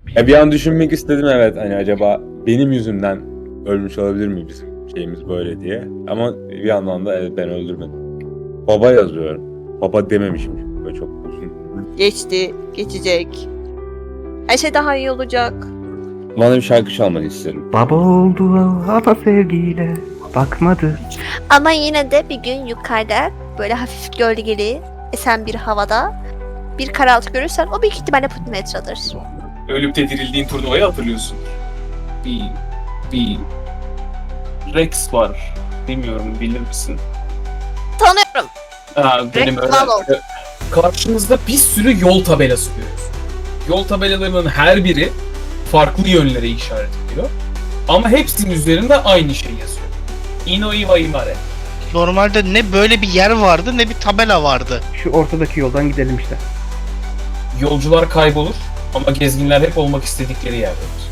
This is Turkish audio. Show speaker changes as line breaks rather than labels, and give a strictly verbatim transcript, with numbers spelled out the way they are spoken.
Ya bir an düşünmek istedim, evet, hani acaba benim yüzümden ölmüş olabilir mi bizim şeyimiz böyle diye. Ama bir yandan da evet, ben öldürmedim. Baba yazıyorum. Baba dememişim. Böyle çok uzun.
Geçti, geçecek. Her şey daha iyi olacak.
Bana bir şarkı çalmanı isterim.
Baba oldu ama sevgiyle bakmadı.
Ama yine de bir gün yukarıda böyle hafif gölgeli esen bir havada bir karaltı görürsen o büyük ihtimalle Putimetra'dır.
Ölüp de dirildiğin turnuvayı hatırlıyorsun. Bir, bir Rex var. Bilmiyorum, bilir misin?
Tanıyorum.
Ha, benim
Rex
öyle.
Valor.
Karşınızda bir sürü yol tabelası görüyorsun. Yol tabelalarının her biri farklı yönlere işaret ediyor. Ama hepsinin üzerinde aynı şey yazıyor. Ino Iwa Imare.
Normalde ne böyle bir yer vardı ne bir tabela vardı.
Şu ortadaki yoldan gidelim işte.
Yolcular kaybolur ama gezginler hep olmak istedikleri yerdedir.